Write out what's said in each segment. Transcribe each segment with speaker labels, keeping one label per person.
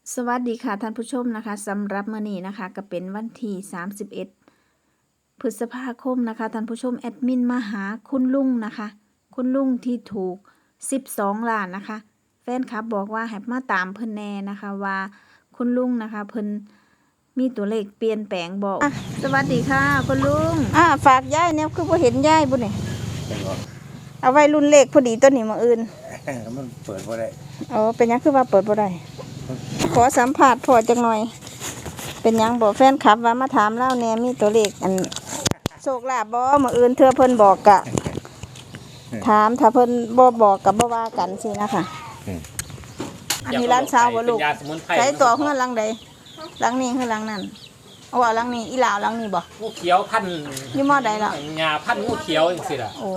Speaker 1: สวัสดีค่ะท่านผู้ชมนะคะสำหรับมื้อนี้นะคะก็เป็นวันที่31พฤษภาคมนะคะท่านผู้ชมแอดมินมาหาคุณลุงนะคะคุณลุงที่ถูก12ล้านนะคะแฟนคลับบอกว่าให้มาตามเพิ่นแน่นะคะว่าคุณลุงนะคะเพิ่นมีตัวเลขเปลี่ยนแปลงบอกสวัสดีค่ะคุณลุงฝากยายเนี่ยคือบ่เห็นยายบุนี่เอาไว้รุ่นเลขพอดีตัวนี้มื้ออื่น
Speaker 2: มันเปิดบ่ได้
Speaker 1: อ๋อเป็นหยังคือว่าเปิดบ่ได้ขอสัมผัสพอจักหน่อยเป็นหยังบอกแฟนคลับว่ามาถามเล่าแน่มีตัวเลขอันโชคลาภบ่มื้ออื่นเธอเพิ่นบอกกะถามถ้าเพิ่นบ่บอกก็บ่ว่ากันสินะคะอันนี้ร้านสาวบ่ลูกใช้ตัวเฮือนหลังใดหลังนี้คือหลังนั้นเอาว่าหลังนี้อีหลาวหลังนี้บ่
Speaker 3: งูเขียวพัน
Speaker 1: อยู่มอใดล่ะ
Speaker 3: หญ้าพันงูเขียวจังซี่ล่ะ
Speaker 1: โอ้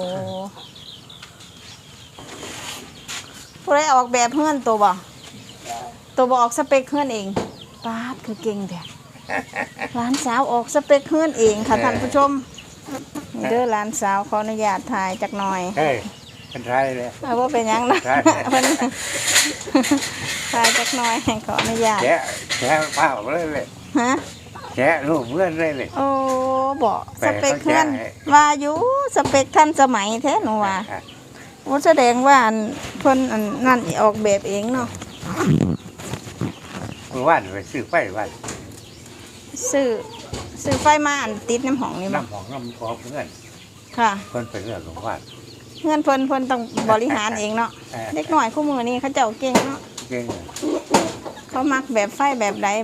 Speaker 1: ผู้ใดออกแบบเฮือนตัวบ่ออกสเปคเฮือนเองป๊าดคือเก่งแท้ร้านสาวออกสเปคเฮือนเองค่ะท่านผู้ชมนี่เด้อร้านสาวขออนุญาตถ่ายจักหน่อย
Speaker 2: เฮ้ยเป็นไรเลย
Speaker 1: ว่าเป็นยังนะเพิ่นถ่ายจักหน่อยขออนุญาต
Speaker 2: แกะเปล่าเลย
Speaker 1: ฮะ
Speaker 2: แกะรูปเพื่อนเลย
Speaker 1: โอ้บอกสเปคเพื่อนว่าอยู่สเปคท่านสมัยแท้หนูว่าโอ้แสดงว่าเพิ่นนั่นออกแบบเองเนาะ
Speaker 2: ว่านไปซื้อไฟว่าน
Speaker 1: ซื้อไฟมาติดน้ำหองนี่บ่
Speaker 2: น้ำหองน้ำพอเพื่อน
Speaker 1: ค่ะ
Speaker 2: เพิ่นเป็นเรื่องของว่าน
Speaker 1: เงินเพิ่นต้องบริหารเองเนาะเล็กหน่อยคู่มือนี่เขาเจ้าเก่งเนาะ
Speaker 2: เก่ง
Speaker 1: เขามักแบบไฟแบบใด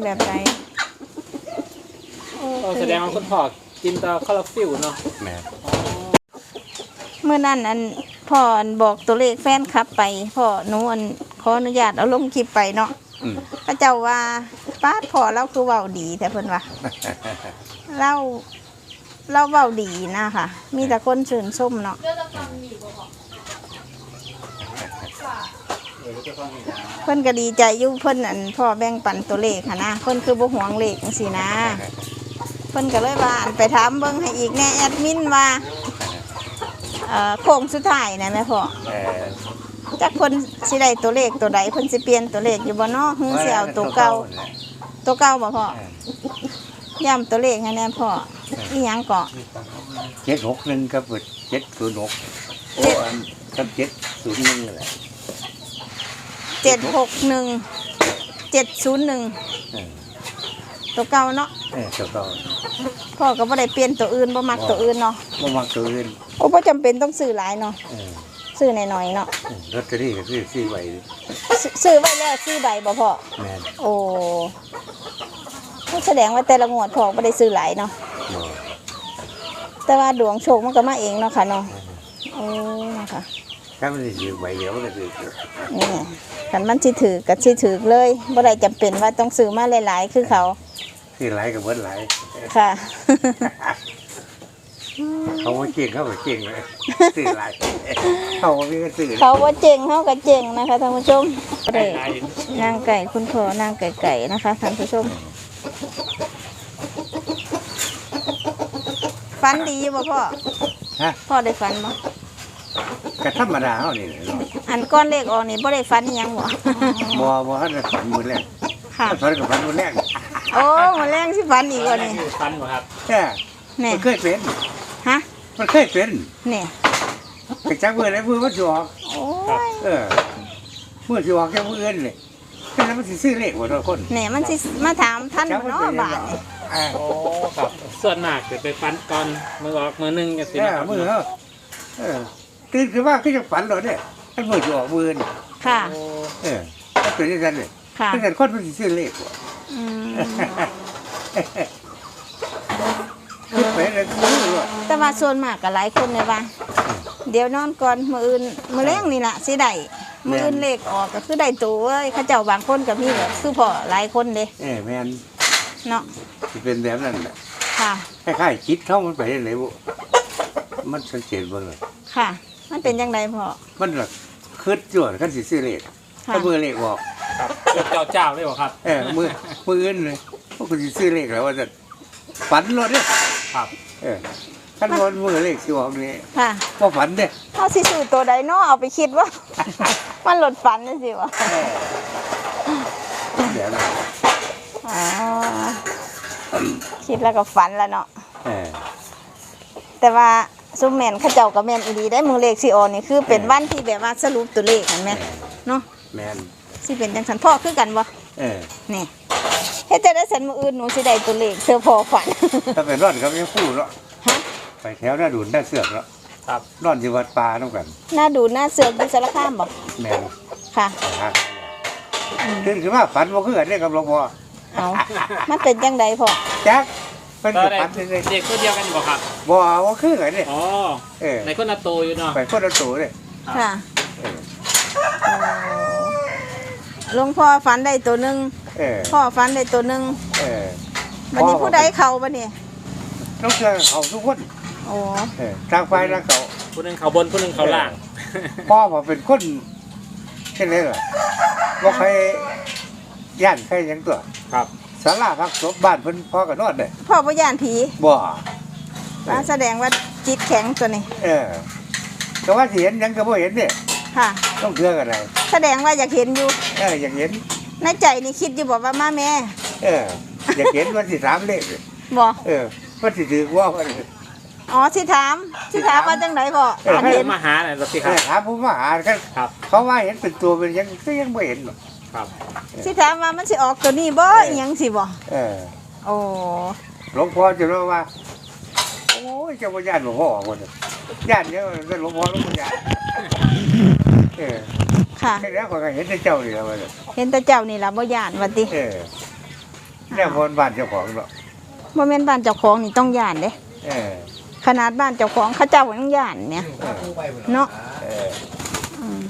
Speaker 3: แสดงว่าคุณพ่อกินตาคาราฟิลเนาะ
Speaker 2: แม่
Speaker 1: เมื่อนั้นพ่อบอกตัวเลขแฟนคลับไปพ่อหนูขออนุญาตเอาลงคลิปไปเนาะเขาเจ้าว่าป้าพ่อเราคือเว้าดีแต่เพิ่นว่าเราเว้าดีนะค่ะมีแต่คนชื่นชมเนาะเพิ่นก็ดีใจอยู่เพิ่นพ่อแบ่งปันตัวเลขค่ะนะเพิ่นคือบ่หวงเลขจังซี่นะเพิ่นก็เลยว่าไปถามเบิ่งให้อีกแน่แอดมินว่าโค้งสุดท้ายนะแม่พ่อจักเพิ่นสิได้ตัวเลขตัวใดเพิ่นสิเปลี่ยนตัวเลขอยู่บ่เนาะฮือสิเอาตัวเก่าบ่พ่อย้ำตัวเลขให้แน่พ่ออีหยังเกาะ
Speaker 2: 761กับ706โอ้กับ701นั่นแหละ
Speaker 1: 761 ตัวเก่าเนาะ
Speaker 2: ตัวเก่า
Speaker 1: พ่อก็บ่ได้เปลี่ยนตัวอื่นบ่มักตัวอื่นเนาะ
Speaker 2: บ่มักตัวอื่น
Speaker 1: โอ้บ่จำเป็นต้องซื้อหลายเนาะซื้อหน่อยๆเนาะ
Speaker 2: ลอตเตอรี่ก็ซื้อไว้
Speaker 1: ซื้อไว้แล้วซื้อใบบ่พ่อ
Speaker 2: แม่น
Speaker 1: โอ้แสดงว่าแต่ละงวดพ่อบ่ได้ซื้อหลายเนาะแต่ว่าดวงโชคมันก็มาเองเนาะค่ะเนาะโอ้นะคะ
Speaker 2: ถ้ามันสิซื้อใบเดียวมันก็ซื้อ
Speaker 1: นี่คันมันสิถือก็สิถือเลยบ่ได้จำเป็นว่าต้องซื้อมาหลายๆคือเขา
Speaker 2: ซื้อหลายก็เบิดหลาย
Speaker 1: ค่ะ
Speaker 2: เขาว่าเก่งเขาก็เก่งเลยซื้อหลายเขาว่ามีก็ซื้อ
Speaker 1: เขาว่าเจ๋งเขาก็เจ๋งนะคะท่านผู้ชมนางไก่คุณพ่อนางไก่นะคะท่านผู้ชมฝันดีบ่พ่อพ่อได้ฝันบ่
Speaker 2: ก็ธรรมดาเฮานี่
Speaker 1: อันก้อนเลขออกนี่บ่ได้ฝันยังบ่
Speaker 2: บ่ทันได้ฝันมื้อแรก
Speaker 1: ค่ะ
Speaker 2: ฝันก็ฝันมื้อแรก
Speaker 1: โอ้มื้อแรกสิฝันอีกว่านี่
Speaker 3: ฝันบ่ครับ
Speaker 2: มันเคยเป็น
Speaker 1: ฮะ
Speaker 2: มันเคยเป็น
Speaker 1: นี่
Speaker 2: ไปจักมื้อไหนมื้อมันสิออก
Speaker 1: โอ้ย
Speaker 2: มื้อสิออกแค่มื้ออื่นนี่ฉะนั้นมันสิซื้อเลขบ่ทุกคน
Speaker 1: นี่มันสิมาถามท่านเนาะบาด
Speaker 3: โอ้ครับส่วนมากสิไปฝันก่อนมื้อออกมื้อนึงจังซี่นะครับ
Speaker 2: มื้อตื่นขึ้นมาคือจังฝันแล้วเนี่ยมันมื้อสิออกมื้ออื่น
Speaker 1: ค่ะ
Speaker 2: มันเป็นจังซั่นนี่
Speaker 1: ค่ะ
Speaker 2: จังซั่นคนมันสิซื้อเลข
Speaker 1: แต่ว่าส่วนมากก็หลายคนเนี่ยว่าเดี๋ยวนอนก่อนมื้ออื่นมื้อแรงนี่ล่ะสิได้มื้ออื่นเลขออกก็คือได้ตัวเอ้ยเขาเจ้าบางคนก็มีคือพ่อหลายคนเด้
Speaker 2: แม่น
Speaker 1: เนาะ
Speaker 2: สิเป็นแบบนั้นแหละ
Speaker 1: ค่ะ
Speaker 2: คล้ายๆคิดเข้ามันไปได้เลยบ่มันสังเกตเบิ่งเลย
Speaker 1: ค่ะมันเป็นจังไดพ่อ
Speaker 2: มันล่ะคิดจวดคันสิซื้อเลขถ้ามื้อเลขออก
Speaker 3: ครับเจ้าเลยบ่ครับ
Speaker 2: มื้ออื่นเลยพวกกูสิซื้อเลขแล้วว่าจะฝันรถเด้
Speaker 3: ครับ
Speaker 2: คันบ่มื้อเลขสิออกนี่
Speaker 1: ค่ะ
Speaker 2: บ่ฝันเด้
Speaker 1: เฮาสิซื้อตัวใดเนาะเอาไปคิดว่ามันหลดฝันจังซี่บ่
Speaker 2: เดี๋ยวนะ
Speaker 1: อ๋อคิดแล้วก็ฝันแล้วเนาะ
Speaker 2: เออ
Speaker 1: แต่ว่าซุมแม่นเขาเจ้าก็แม่นอีหลีได้มือเลขสิออกนี่คือเป็นวันที่แบบว่าสรุปตัวเลขเห็นไหมเนาะ
Speaker 2: แมน
Speaker 1: สิเป็นจังซั่นพ่อคือกันบ่
Speaker 2: เออ
Speaker 1: นี่เฮ็ดจะได้สันมื้ออื่นหนูสิได้ตัวเลขเธอพ่อฝัน
Speaker 2: ถ้าเป็นร่อนก็ไม่พูดเนาะ
Speaker 1: ฮะ
Speaker 2: ไปแถวหน้าดุนหน้าเสือกเนาะ
Speaker 3: ครับ
Speaker 2: ร่อนอยู่วัดป่าต้องกัน
Speaker 1: หน้าดูหน้าเสือกอยู่สารคามบ่
Speaker 2: แมน
Speaker 1: ค่ะ
Speaker 2: หาตื่นขึ้นมาฝันว่าคือกันเนี่ยกับหลวงพ่อ
Speaker 1: เอามันเป็นจังไดพ่อ
Speaker 2: จักเป็น
Speaker 3: ก็
Speaker 2: กับ
Speaker 3: ได้
Speaker 2: ฝันเลย
Speaker 3: เด็กคนเดียวกันบ่ครับ
Speaker 2: บ่ว่าคือกันเนี่ย
Speaker 3: อ๋อ
Speaker 2: เออ
Speaker 3: ในคนละโตอยู่เนาะ
Speaker 2: ไปคนละตัวเลย
Speaker 1: ค่ะ
Speaker 2: เออ
Speaker 1: โอ้หลวงพ่อฝันได้ตัวหนึง
Speaker 2: เออ
Speaker 1: พ่อฝันได้ตัวหนึง
Speaker 2: เออ
Speaker 1: บัดนี้ผู้ใดเข้าบัดนี้
Speaker 2: ต้องเชื่อเขาทุกคน
Speaker 1: โอ้
Speaker 2: เออทางไฟทางเขา
Speaker 3: ผู้หนึงเขาบนผู้หนึงเขาล่าง
Speaker 2: พ่อผมเป็นคนเช่นไรล่ะว่าใครย่านใครหยังตัว
Speaker 3: ครับ
Speaker 2: ศาลาพักศพบ้านเพิ่นพ่อกันนอนเลย
Speaker 1: พ่อบ่ย่านผี
Speaker 2: บ่
Speaker 1: ว่าแสดงว่าจิตแข็งตัวนี้
Speaker 2: เออก็ว่าสิเห็นหยังก็บ่เห็นเนี่ย
Speaker 1: ค่ะ
Speaker 2: ต้องเชื่อกันไร
Speaker 1: แสดงว่าอยากเห็นอยู่
Speaker 2: อยากเห็น
Speaker 1: ในใจนี่คิดอยู่บอกว่ามาแม่
Speaker 2: เอออยากเห็นวันที่3เลข
Speaker 1: บ่
Speaker 2: เออวันที่ถือว่าวัน
Speaker 1: อ๋อสิถามว่าจังไดพ่อ
Speaker 2: เออ
Speaker 1: อัน
Speaker 3: ให้
Speaker 1: เห็น
Speaker 3: มาหาหน่อยสิค
Speaker 2: เอ
Speaker 3: รับ
Speaker 2: อถามผู้มาหากัน
Speaker 3: ครับ
Speaker 2: เขาว่าเห็นเป็นตัวเป็นหยังก็ยังไม่เห็นหรอก
Speaker 3: ครับ
Speaker 1: สิถามว่ามันสิออกตัวนี้บ่อิหยังสิบ่
Speaker 2: เออ
Speaker 1: โอ้
Speaker 2: หลวงพ่อจะรู้ว่า โอ้ยเจ้าพ่อญาติหลวงพ่อออกหมดเลยญาติเนี่ยเป็นหลวงพ่อหลวงพ่อญาติเออ
Speaker 1: ค่ะ
Speaker 2: แค่นี้คนก็เห็นแต่เจ้านี่แล้วมัน
Speaker 1: เห็นแต่เจ้านี่ล่ะบ่ย่านว่าติ
Speaker 2: เออเนี่ยพนบ้านเจ้าของเนาะ
Speaker 1: บ่แม่นบ้านเจ้าของนี่ต้องย่านเด้
Speaker 2: เออ
Speaker 1: ขนาดบ้านเจ้าของเขาเจ้ายังย่านเนี่ยเนาะ
Speaker 2: เออ
Speaker 1: อืม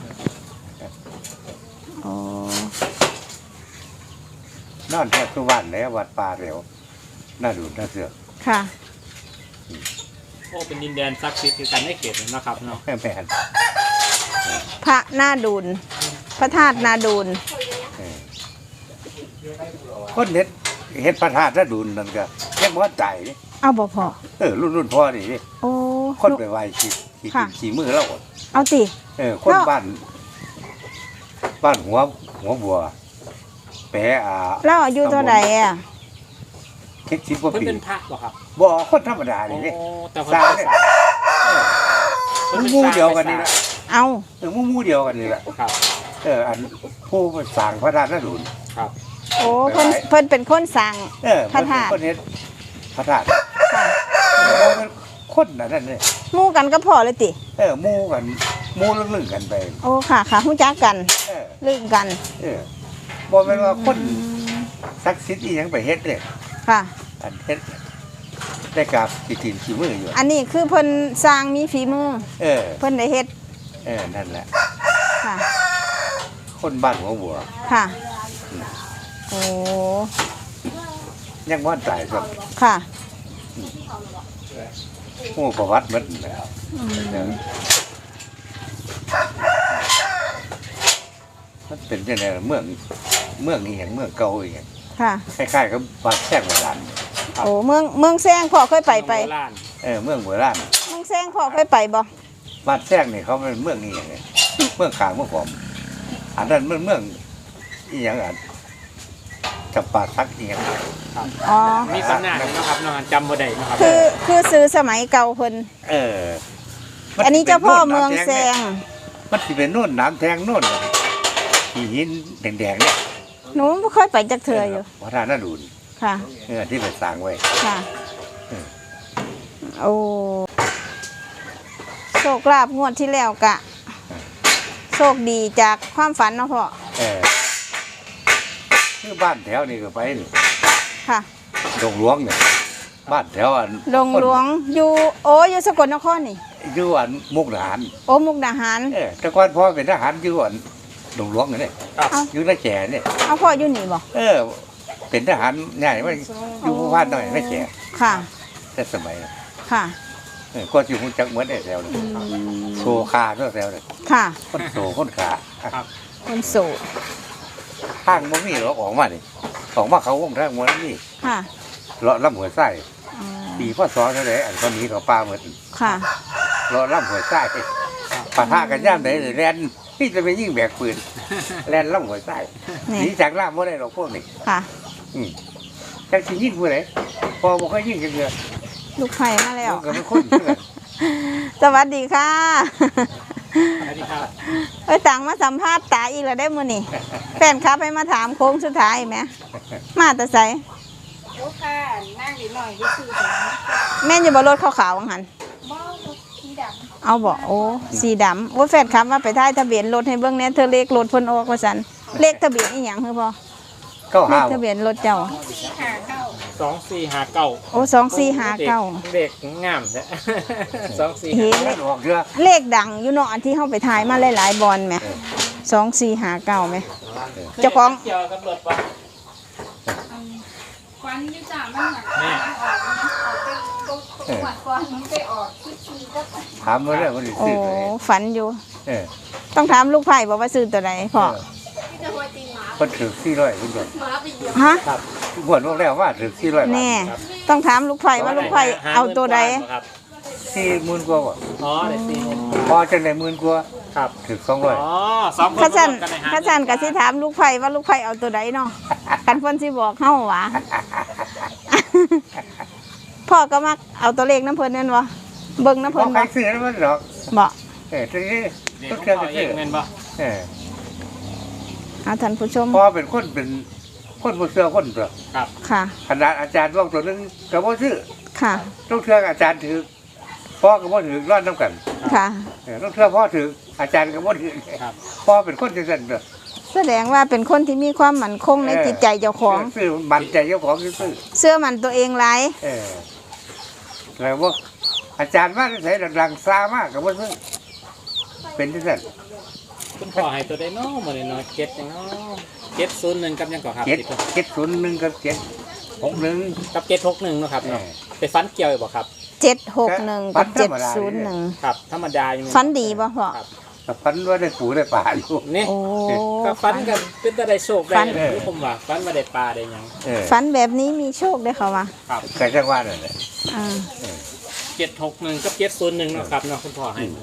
Speaker 1: โอ้
Speaker 2: นอนแทบทุกวันแล้ววัดป่าเร็วน่าดูน่าเสือก
Speaker 1: ค่ะ
Speaker 3: โอ้เป็นดินแดนศักดิ์สิทธิ์คือกันในเขตนี้นะครับเนาะ
Speaker 2: แม่แม่น
Speaker 1: พระนาดูลพระธาตุนาดูล
Speaker 2: เออคนเห็นพระธาตุน่าดูนั่นก็แค่บ่ใจนี่
Speaker 1: เอาบ่พอ
Speaker 2: รุ่นพ่อนี่นี่
Speaker 1: โอ้
Speaker 2: คนไปไหว้ขี่
Speaker 1: ค่ะ
Speaker 2: ขี่มือแล้ว
Speaker 1: เอาติ
Speaker 2: คน
Speaker 1: เนาะ
Speaker 2: บ้านหัวบัวแปะ
Speaker 1: แล้วอายุเท่าใดอ่ะ
Speaker 2: คิดชิบกว่า
Speaker 3: เพิ่น
Speaker 2: ปี
Speaker 3: เป็นพระบ่ครับ
Speaker 2: บ่คนธรรมดา
Speaker 3: โอ้
Speaker 2: นี่นี่
Speaker 3: แต่เพิ่
Speaker 2: ส
Speaker 3: น
Speaker 2: ร้าง
Speaker 3: เป็น
Speaker 2: เนี่ย
Speaker 3: เพิ่นเป็น
Speaker 2: หมู่
Speaker 3: สร้าง
Speaker 2: เดียวกันนี่แหละ
Speaker 1: เอา
Speaker 2: หมู่เดียวกันนี่แหละ
Speaker 3: ครับ
Speaker 2: อันผู้สร้างพระธาตุน่าดู
Speaker 3: ครับ
Speaker 1: โอ้เพิ่นเป็นคนสั่ง พระธาตุ
Speaker 2: คนเฮ็ดพระธาตุ
Speaker 1: ค่ะ
Speaker 2: คนนั่นนี่
Speaker 1: หมู่กันก็พอเลยติ
Speaker 2: หมู่กันหมู่ลึ่งๆกันไป
Speaker 1: โอ้ค่ะค่ะฮู้จักกัน
Speaker 2: เออ
Speaker 1: ลึกกัน
Speaker 2: บ่แม่นว่าคนศักดิ์สิทธิ์อีหยังไปเฮ็ดเนี่ย
Speaker 1: ค่ะ
Speaker 2: อันเฮ็ดได้กับกินขี้มืออยู่
Speaker 1: อันนี้คือเพิ่นสร้างมีฝีมือ
Speaker 2: เออ
Speaker 1: เพิ่นได้เฮ็ด
Speaker 2: นั่นแหละ
Speaker 1: ค่ะ
Speaker 2: คนบ้านหัวบัว
Speaker 1: ค่ะ โอ้
Speaker 2: ยังว่านตายครับ
Speaker 1: ค่ะ
Speaker 2: ผู้ประวัติมันนะ
Speaker 1: อืม
Speaker 2: มันเป็นจังได๋ล่ะเมืองนี้อย่างเมืองเก่าอีหยัง
Speaker 1: ค่ะ
Speaker 2: คล้ายๆกับบ้านแท่งโบราณ
Speaker 1: โอ้เมืองแซงพ่อเคยไป
Speaker 3: โบราณ
Speaker 2: เมืองโบราณ
Speaker 1: เมืองแซงพ่อเคยไปบ่
Speaker 2: บ้านแท่งนี่เขาเป็นเมืองนี้อย่างไงเมืองขางเมืองขอมอันนั้นมันเมืองอีหยังอ่ะจับปาสักอีหยัง
Speaker 1: อ๋อ
Speaker 3: มีตำนานอยู่เนาะครับเนาะจำบ่ได้เนาะครับ
Speaker 1: คือซื้อสมัยเก่าเพิ่น
Speaker 2: มั
Speaker 1: อันนี้เจ้าพ่อเมืองแซง
Speaker 2: มันสิเป็นโน่นน้ำแทงโน่นที่หินแดงๆเนี่ย
Speaker 1: หนูบ่เคยไปจักเทื่ออยู่
Speaker 2: วัดท่านาดูน
Speaker 1: ค่ะ
Speaker 2: ที่ไปสร้างไว้
Speaker 1: ค่ะ
Speaker 2: เออ
Speaker 1: โอ้โชคลาภงวดที่แล้วกะ โชคดีจากความฝันเนาะพ่อ
Speaker 2: คือบ้านแถวนี่ก็ไปนี่
Speaker 1: ค่ะ
Speaker 2: ดงหลวงเนี่ยบ้านแถวอัน
Speaker 1: หลวงอยู่อยู่สกลนครนี่
Speaker 2: อยู่อันมุกดาหาร
Speaker 1: โอ้มุกดาหาร
Speaker 2: แต่ก่อนพ่อเป็นทหารอยู่อันดงหลวงเนี่ย
Speaker 3: ครับ
Speaker 2: อยู่นาแก่เนี่ย
Speaker 1: เอาพ่ออยู่นี่บ่
Speaker 2: เป็นทหารง่ายว่าอยู่ผู้พันหน่อยนาแก่
Speaker 1: ค่ะ
Speaker 2: แต่สมัยนั้น
Speaker 1: ค่ะ
Speaker 2: ก็สิฮู้จักเหมือนไอ้แถวนี่โซคาตัวแถวนี่
Speaker 1: ค่ะ
Speaker 2: คนโซคนขา
Speaker 1: คนโสด
Speaker 2: ทางบ่มีหรอกออกมานี่ออกมาเขาวงทางบ่มี
Speaker 1: ค่ะ
Speaker 2: เลาะลำหัวไส้
Speaker 1: อ๋อ
Speaker 2: ปีพศเท่าไหร่อันคนนี้เขาป้าเหมือน
Speaker 1: ค่ะ
Speaker 2: เลาะลำหัวไส้ปะทะกันย่ามไหนเลยแล่นนี่จะไปยิ่งแบกปืนแล่นล่องหัวใต้หนีจากล่ามบ่ได้หรอกพวกนี้
Speaker 1: ค่ะ
Speaker 2: จักสิยิงผู้ใดพอบ่เคยยิงกันเดือ
Speaker 1: ลูกไผ่มาแล้ว
Speaker 2: มันก็เป็นคนเพื่อน
Speaker 1: สวัสดีค่ะ
Speaker 3: สวัสดีครับ
Speaker 1: เอ้ยต่างมาสัมภาษณ์ตาอีกแล้วได้มื้อนี่แฟนคลับให้มาถามโค้งสุดท้ายไหมมาแต่ไส
Speaker 4: โอ้ค่ะนั่งนิดหน่อยก็คือแต่
Speaker 1: แม่นอยู่บ่รถขาวๆว่างั้น
Speaker 4: บ้ารถสีด
Speaker 1: เอาบ่โอ้สีดำโอ้แฟนคลับว่าไปถ่ายทะเบียนรถให้เบิ่งแหน่เธอเลขรถเพิ่นออกว่าซั่นเลขทะเบียนอีหยังคือบ่
Speaker 2: ก็
Speaker 1: เล
Speaker 2: ห้า
Speaker 1: ขทะเบียนรถเจ้า
Speaker 4: ำสีหาเข้า
Speaker 3: 2459
Speaker 1: โอ้2459
Speaker 3: เด็กงามแท้
Speaker 1: เห็น
Speaker 2: เล่นออกเรือ
Speaker 1: เลขดังอยู่เนาะอันที่เฮาไปถ่ายมาหลายๆบอลแหม2459แหม เจ้าของ
Speaker 3: เกี่ยวกับรถป่ะ
Speaker 4: ควันอยุ่จ่ามันหนัก
Speaker 3: แม่
Speaker 4: ออกมันออกไปตัวหวัดก่อนมันไปออกที่ก็
Speaker 2: ถามมาเรื่องมันสิ
Speaker 1: โอ้
Speaker 2: ซื้อเลย
Speaker 1: ฝันอยู่
Speaker 2: เออ
Speaker 1: ต้องถามลูกไผ่บอกว่าซื้อตัวใดพ่อ
Speaker 4: ที่จะหัวตีนหมา
Speaker 2: คนถือ400คุณผู้ชม
Speaker 4: หมาไปเหยียบ
Speaker 1: ฮะ
Speaker 3: ครับ
Speaker 2: บวชบอกแล้วว่าถือ400บาท
Speaker 1: แน่ ต้องถามลูกไผ่ว่าลูกไผ่เอาตัวใด
Speaker 3: ครับ
Speaker 2: 40,000กว่าบ่
Speaker 3: อ๋อได้40,000
Speaker 2: พอจังได้10,000กว่า
Speaker 3: ครับ
Speaker 2: ถือ
Speaker 3: อ๋อ
Speaker 2: 200
Speaker 3: สองคน
Speaker 1: ข้าจัน
Speaker 3: รวมกันในห้
Speaker 1: ข้าจันก็สิถามลูกไผ่ว่าลูกไผ่เอาตัวใดเนาะกันเพิ่นสิบอกเฮาหวะ พ่อก็มักเอาตัวเลขน้ำเพิ่นนั่นวะเบิ่งน้ำ
Speaker 2: พ
Speaker 1: เพิ่
Speaker 2: อน ใคร
Speaker 1: บ่
Speaker 2: ซื้อแล้วมันหรอก
Speaker 1: บ่
Speaker 2: ทีนี้
Speaker 3: เด็ก
Speaker 2: ต้อง
Speaker 3: ข
Speaker 2: เชื่อ
Speaker 3: อง
Speaker 2: กั
Speaker 3: พ่
Speaker 2: น
Speaker 3: อเอ
Speaker 2: ซื้อง
Speaker 3: แม่นบ่
Speaker 2: เออ
Speaker 1: เอาท่านผู้ชม
Speaker 2: พอเป็นคนบ่เชื่อคนเปล่า
Speaker 3: ครับ
Speaker 1: ค่ะ
Speaker 2: ขนาดอาจารย์บอกตัวนึงก็บ่ซื้อ
Speaker 1: ค่ะ
Speaker 2: ต้องเชื่ออาจารย์ถือพ่อก็บ่ถือรอดน้ำกัน
Speaker 1: ค่ะ
Speaker 2: ต้องเชื่อพ่อถืออาจารย์ก็บ่ถือ
Speaker 3: ครับ
Speaker 2: พ่อเป็นคนจังซั่นเด้อ
Speaker 1: แสดงว่าเป็นคนที่มีความมั่นคงในจิตใจเจ้าของ
Speaker 2: ซื้อมันใจเจ้าของซื้อ
Speaker 1: เชื่อมันตัวเองหลาย
Speaker 2: แล้วว่าอาจารย์ว่าใส่ดังๆซามากก็บ่ซื้อเป็นจังซั่น
Speaker 3: คุณพ่อให้ตัวได้น้อมื้อนี้เนาะ7จังเนาะ701กับหยังก่อนครับ
Speaker 2: 701กับ761
Speaker 3: กับ761เนาะครับเนาะไปฟันเกี่ยวอยู่บ่ครับ
Speaker 1: 761กับ701
Speaker 3: ครับ ธรรมดาอยู่
Speaker 1: ฝันดีบ่พ่อ
Speaker 3: ครับ
Speaker 2: ก็พันว่าได้ปูได้ป่าอยู่
Speaker 3: นี่
Speaker 1: โอ้
Speaker 3: ก็ฟันกันเป็นแต่ได้โชคได้
Speaker 1: ฟัน
Speaker 3: หรือผมว่าฟันมาได้ปลาได้หยัง
Speaker 1: ฝันแบบนี้มีโชคได้เขาว่า
Speaker 3: ครับ
Speaker 2: ก็จังว่านั่นแหละ
Speaker 1: อ่า
Speaker 3: 761กับ701เนาะครับเนาะคุณพ่อให้มา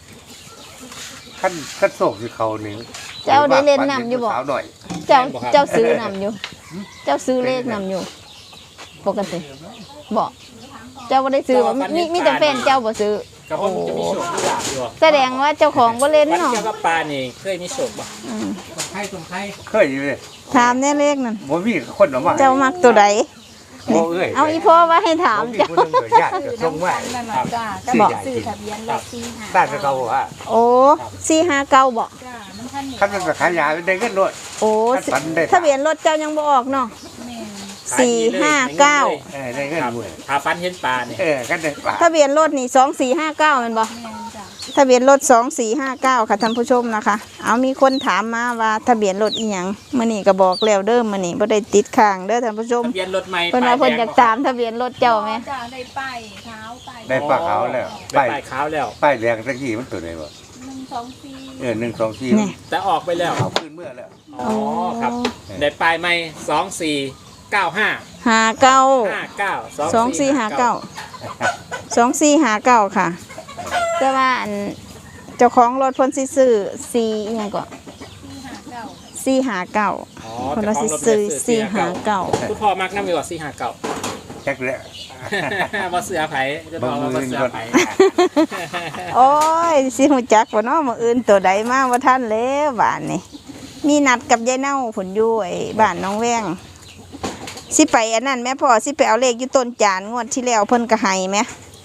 Speaker 2: ขั้นโศกสิเขาหนึ่ง
Speaker 1: เจ้าได้เล่นนำอยู่บ่
Speaker 2: สาวหน่อย
Speaker 1: เจ้าซื้อนำอยู่ เจ้าซื้อเลขนำอยู่ ปกติบอกเจ้าบ่ได้ซื้อบ่มีแต่แฟนเจ้าบ่ซื้อ
Speaker 3: ก็ผมจะมีโชคมีลาภอยู่
Speaker 1: แสดงว่าเจ้าของบ่เล่น
Speaker 3: ฟัน
Speaker 1: เนาะ
Speaker 3: เกี่ยวกับปลานี่เคยมีโชคบ่
Speaker 1: อืม
Speaker 2: เคยอยู่เลย
Speaker 1: ถามแน่เลขนั่น
Speaker 2: บ่มีคนออกมา
Speaker 1: เจ้ามักตัวใด
Speaker 2: บ่เอ้ย
Speaker 1: เอาอีพ่อว่าให้ถาม
Speaker 2: บ่มี
Speaker 1: เจ้า
Speaker 2: คนนึงเกิดญาติก็ส่งมา
Speaker 4: นั่นแหละจ้าก็
Speaker 2: บอก
Speaker 4: สื่อทะเบียนรถสีหา
Speaker 2: บ้านเขาว่า
Speaker 1: โอ้459บ่
Speaker 4: จ้ามันท่านนี่
Speaker 2: คันมันไปขายยาได้เงินด้วย
Speaker 1: โอ้
Speaker 2: ฝันได้
Speaker 1: ทะเบียนรถเจ้ายังบ่ออกเนาะ
Speaker 4: แม่
Speaker 1: 459
Speaker 2: ได้เงิน
Speaker 3: ครับ
Speaker 2: ด้วย
Speaker 3: หาฟันเห็นปลานี่
Speaker 2: กันได้ป่า
Speaker 1: ทะเบียนรถนี่2459แม่นบ่
Speaker 4: แม่จ้า
Speaker 1: ทะเบียนรถ2459ค่ะท่านผู้ชมนะคะ เอามีคนถามมาว่าทะเบียนรถอีหยังมื้อนี้ก็บอกแล้วเด้อมื้อนี้บ่ได้ติดข้างเด้อท่านผู้ชม
Speaker 3: ทะเบียนรถใหม่
Speaker 1: เพิ่นว่าเพิ่นอยากตามทะเบียนรถเจ้าไหม
Speaker 4: จ้าได้ป้ายเท้าป้าย
Speaker 2: ได้ปลาขาวแล้ว
Speaker 3: ได้ป้ายขาวแล้ว
Speaker 2: ป้ายแดงตะกี้มันตัวไหนบ่
Speaker 4: 124
Speaker 1: นี่
Speaker 2: 124
Speaker 3: แต่ออกไปแล้ว
Speaker 2: เอาขึ้นเมื่อแล้ว
Speaker 3: อ๋อครับได้ป้ายใหม่2495
Speaker 1: 59 2459 2459ค่ะแต่ว่าอันเจ้าของรถเพิ่นสิซื้อ4อีหยังก็
Speaker 4: ที่หาเก่า
Speaker 1: 459
Speaker 3: อ๋อ
Speaker 1: เพิ่น
Speaker 3: แต่
Speaker 1: ว่า
Speaker 3: ขอ
Speaker 1: สิ
Speaker 3: งรถ
Speaker 1: ซื้อ
Speaker 3: 459คุณพ่อมักนำอยู่ว่า459
Speaker 2: จักแล้ว
Speaker 3: บ่เสือไผจะบอกว่าบ่เสือไผ
Speaker 1: 459โอ้ยสิฮู้จักบ่เนาะมื้ออื่นตัวใดมาบ่ทันแล้วบ้านนี่มีนัดกับยายเน่าผลอยู่ไอ้บ้านน้องแว้งสิไปอันนั้นแม่พ่อสิไปเอาเลขอยู่ต้นจานงวดที่แล้วเพิ่นก็ให้แม่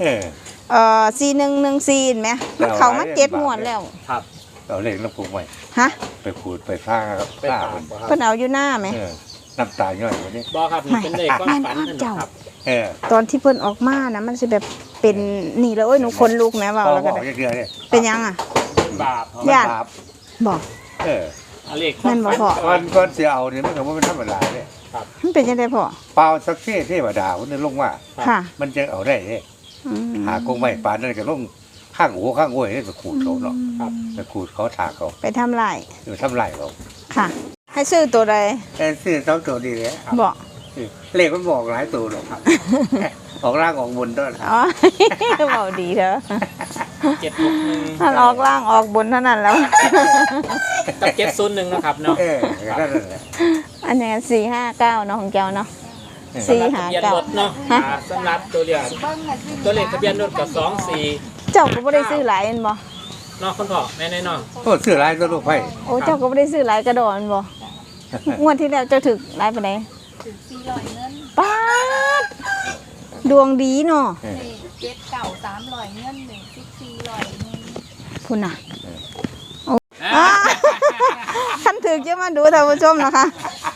Speaker 1: 4114แม่มันเข้ามา7งวดแล้ว
Speaker 3: ครับ
Speaker 2: เอาเลขแล้วปลูกไว้
Speaker 1: ฮะ
Speaker 2: ไปขูดไปผ้าครับ
Speaker 3: ไป
Speaker 2: ผ้า
Speaker 3: ตาม
Speaker 2: มัน
Speaker 3: บ่ครับ
Speaker 1: เพิ่นเอาอยู่หน้าแม่
Speaker 2: น้ำตาย่อยกว่านี้
Speaker 3: บ่ครับนี่เป็นเลขความฝันนั่นนะครับ
Speaker 1: ตอนที่เพิ่นออกมานะมันสิแบบเป็นนี่แล้วโอ้ยหนูคนลุกแม่เว้าแล้วก็
Speaker 2: บอ
Speaker 1: ได้
Speaker 2: กเยอะๆเนี่ย
Speaker 1: เป็นยังอ่ะ
Speaker 3: บาป
Speaker 2: มัน
Speaker 1: ญาติ
Speaker 2: บาป
Speaker 1: บอก
Speaker 3: เอาเลขความ
Speaker 1: นั่นบ่
Speaker 3: ฝัน
Speaker 1: พ่อ
Speaker 2: ก่อนเสียเอาเนี่ยมันก็บ่เป็นธรรมดาเนี่ย
Speaker 1: มันเป็นจังได๋พ่อ
Speaker 2: เปล่าสักเทวดาคนนึงลงมา
Speaker 1: ค่ะ
Speaker 2: มันจะเอาได้เนี่ย
Speaker 1: อืม
Speaker 2: หากงไม้ปานนั่นก็ลงข้างหัวข้างห้วยนี่ไปขูดเขาเนาะไปขูดเขาถากเขา
Speaker 1: ไปทำลาย
Speaker 2: หรือทำไรเขา
Speaker 1: ค่ะ ให้ซื้อตัวใด
Speaker 2: แต่ซื้อเท่าตัวดีเลย
Speaker 1: บอก
Speaker 2: เลขมันบอกหลายตัวหรอกครับ ออกร่างออกบนด้วย
Speaker 1: อ๋อ เว้าดีเถอะ
Speaker 3: 761
Speaker 1: ท่านออกล่างออกบนเท่านั้นแล้ว
Speaker 3: กับ701นะครับเนาะ
Speaker 2: นั่นแหละ
Speaker 1: อันนี้459เนาะของแก้วเนาะ
Speaker 3: สำหรับทะเบียนรถเนาะสำหรับตัวเรียก
Speaker 4: เบิ้งน่ะสิ
Speaker 3: ตัวเลขทะเบียนรถกับ24
Speaker 1: เจ้าก็บ่ได้ซื้อหลายแม่นบ่
Speaker 3: เนาะคุณพ่อแม่นเนาะ
Speaker 2: โอ้ซื้อหลายตัวลูกไผ่
Speaker 1: โอ้เจ้าก็บ่ได้ซื้อหลายกระดอนบ่งวดที่แล้วเจ้าถึกหลายปานใด
Speaker 4: ถึง400เงิน
Speaker 1: ป๊าดดวงดีเนาะ
Speaker 4: นี่เจ็ดเก่า300เงินหนึ่ง400เงิน
Speaker 1: พุ่นน่ะอ่าคันถึกจะมาดูท่านผู้ชมนะคะ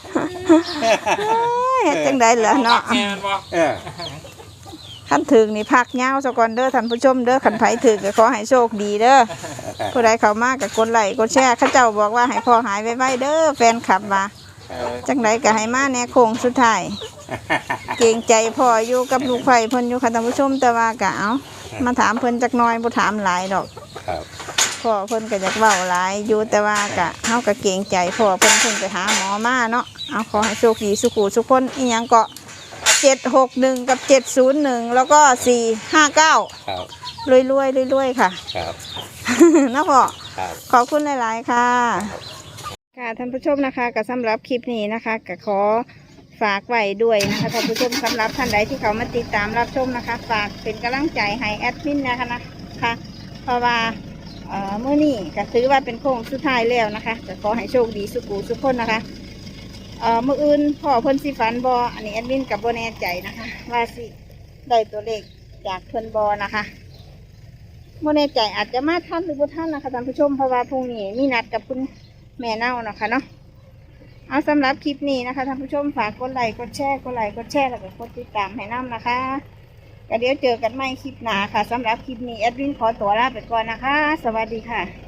Speaker 1: เฮ็ดจังได๋ล่ะเนาะ
Speaker 3: แม่นบ่
Speaker 1: คันถึกนี่พักยาวซะก่อนเด้อท่านผู้ชมเด้อคันไผถึกก็ขอให้โชคดีเด้อผู้ใดเข้ามาก็กดไลค์กดแชร์เขาเจ้าบอกว่าให้พ่อหายไวๆเด้อแฟนคลับว่าจังไดก็ให้มาแน่โค้งสุดท้ายเกรงใจพ่ออยู่กับลูกไผเพิ่นอยู่ค่ะท่านผู้ชมแต่ว่าก็เอามาถามเพิ่นจักหน่อยบ่ถามหลายดอก
Speaker 2: ครับ
Speaker 1: พ่อเพิ่นก็อยากเว้าหลายอยู่แต่ว่าก็เฮาก็เกรงใจพ่อเพิ่นไปหาหมอมาเนาะเอาขอให้โชคดีสุขุสุขคนอีหยังก็761กับ701แล้วก็459
Speaker 2: ครับ
Speaker 1: รวยๆค่ะ
Speaker 2: ครับ
Speaker 1: นะพ่อ
Speaker 2: ครับ
Speaker 1: ขอบคุณหลายๆค่ะ ค่ะท่านผู้ชมนะคะก็สำหรับคลิปนี้นะคะก็ขอฝากไว้ด้วยนะคะท่านผู้ชมสำหรับท่านใดที่เขามาติดตามรับชมนะคะ ฝากเป็นกำลังใจให้แอดมินนะคะเพราะว่ามื้อนี้ก็ถือว่าเป็นโค้งสุดท้ายแล้วนะคะก็ขอให้โชคดีสุขุสุขคนนะคะมื้ออื่นพ่อเพิ่นสิฝันบออันนี้แอดมินกับบ่แน่ใจนะคะ ว่าสิได้ตัวเลขจากเพิ่นบอนะคะบ่แน่ใจอาจจะมาทันหรือบ่ทันนะคะท่านผู้ชมเพราะว่าพรุ่งนี้มีนัดกับคุณแม่เน่านะคะเนาะเอาสำหรับคลิปนี้นะคะท่านผู้ชมฝากกดไลค์กดแชร์แล้วก็กดติดตามให้น้ำนะคะก็เดี๋ยวเจอกันใหม่คลิปหน้าค่ะสำหรับคลิปนี้แอดมินขอตัวลาไปก่อนนะคะ สวัสดีค่ะ